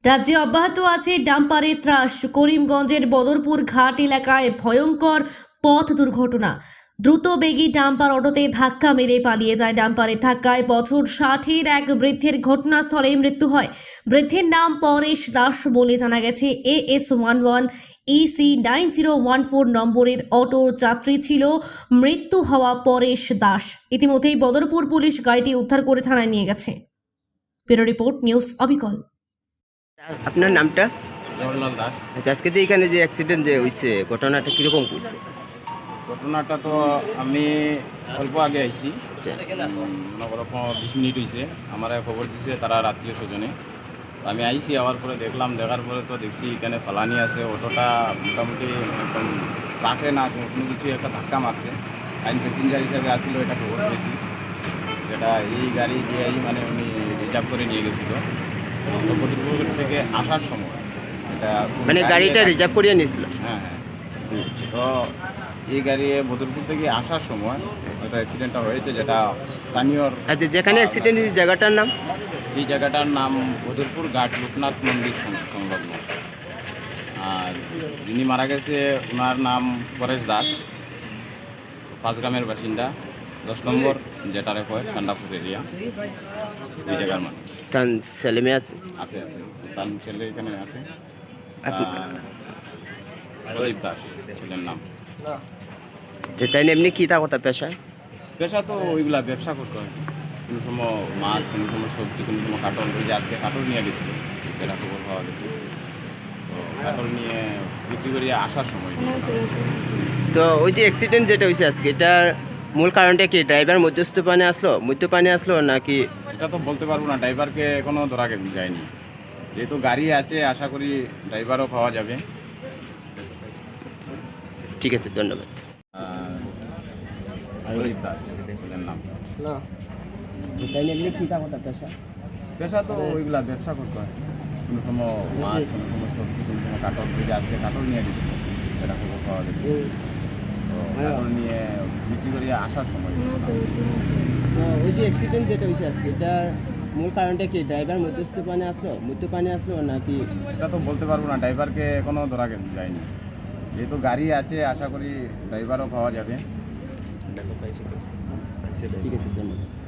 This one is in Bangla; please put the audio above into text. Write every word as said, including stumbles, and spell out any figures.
রাজ্যে অব্যাহত আছে ডাম্পারের ত্রাস। করিমগঞ্জের বদরপুর ঘাট এলাকায় ভয়ঙ্কর পথ দুর্ঘটনা। দ্রুত বেগী ডাম্পার অটোতে ধাক্কা মেরে পালিয়ে যায়। ডাম্পারের ধাক্কায় বছর ষাটের এক বৃদ্ধের ঘটনাস্থলে মৃত্যু হয়। বৃদ্ধের নাম পরেশ দাস বলে জানা গেছে। A S one one EC nine zero one four নম্বরের অটোর যাত্রী ছিল মৃত্যু হওয়া পরেশ দাস। ইতিমধ্যেই বদরপুর পুলিশ গাড়িটি উদ্ধার করে থানায় নিয়ে গেছে। ব্যুরো রিপোর্ট, নিউজ অবিকল। আপনার নামটা? জওহরলাল দাস। আচ্ছা, আজকে যে এখানে যে অ্যাক্সিডেন্ট যে হয়েছে ঘটনাটা কীরকম করছে? ঘটনাটা তো আমি অল্প আগে আইছি, মনে করো বিশ মিনিট হয়েছে। আমার খবর দিছে তারা আত্মীয় স্বজনে। আমি আইছি, আওয়ার পরে দেখলাম, দেখার পরে তো দেখছি এখানে ফালানি আছে। অটোটা মোটামুটি একদম ট্রাকে না কোনো কিছু একটা ধাক্কা মারছে। আইন প্যাসেঞ্জার হিসাবে আসছিল, এটা খবর পেয়েছি। যেটা এই গাড়ি দিয়ে মানে উনি রিজার্ভ করে নিয়ে গেছিল। তো বদরপুর থেকে আসার সময় এটা মানে গাড়িটা রিজার্ভ করিয়ে নিয়েছিল? হ্যাঁ হ্যাঁ তো এই গাড়ি বদরপুর থেকে আসার সময় হয়তো অ্যাক্সিডেন্টটা হয়েছে, যেটা স্থানীয়। আচ্ছা, যেখানে অ্যাক্সিডেন্ট হয়েছে জায়গাটার নাম? এই জায়গাটার নাম বদরপুর ঘাট লোকনাথ মন্দির সংলগ্ন। আর যিনি মারা গেছে ওনার নাম পরেশ দাস, পাঁচগ্রামের বাসিন্দা, দশ নম্বর যেটারে কয় ঠান্ডাপুর এরিয়া। এই জায়গার মানুষ। তার ছেলে মেয়ে আছে? আছে আছে তার ছেলে এখানে আছে, আপনি- প্রদীপ দাস ছেলের নাম। তো তাই না, এমনি কী তা কথা পেশা? পেশা তো ওইগুলা ব্যবসা করতে হয়। কোনো সময় মাছ, কোনো সময় সবজি, কোনো সময় কাটল। ওই যে আজকে কাটল নিয়ে গেছিল, এটা খবর পাওয়া গেছে। তো কাটল নিয়ে বিক্রি করিয়ে আসার সময়। তো ওই যে অ্যাক্সিডেন্ট যেটা হয়েছে আজকে, এটার মূল কারণটা কি? ড্রাইভার মধ্যস্থপানে আসলো মদ্যপানে আসলো নাকি? এটা তো বলতে পারবো না, ড্রাইভারকে এখনও ধরা যায়নি। যেহেতু গাড়ি আছে, আশা করি ড্রাইভারও পাওয়া যাবে। ঠিক আছে, ধন্যবাদ। প্রদীপ দাস ছেলের নাম। না, তাই না, এমনি কী তা কথা পেশা? পেশা তো ওইগুলা ব্যবসা করতে হয়। কোনো সময় মাছ, কোনো সময় সবজি, কোনো সময় কাটল। ওই যে আজকে কাটল নিয়ে গেছিল, এটা খবর পাওয়া গেছে। তো কাটল নিয়ে বিক্রি করিয়ে আসার সময়। তো ওই যে অ্যাক্সিডেন্ট যেটা হয়েছে আজকে, এটার মূল কারণটা কি? ড্রাইভার মধ্যস্থপানে আসলো মদ্যপানে আসলো নাকি? এটা তো বলতে পারবো না, ড্রাইভারকে এখনও ধরা যায়নি। যেহেতু গাড়ি আছে, আশা করি ড্রাইভারও পাওয়া যাবে। ঠিক আছে, ধন্যবাদ।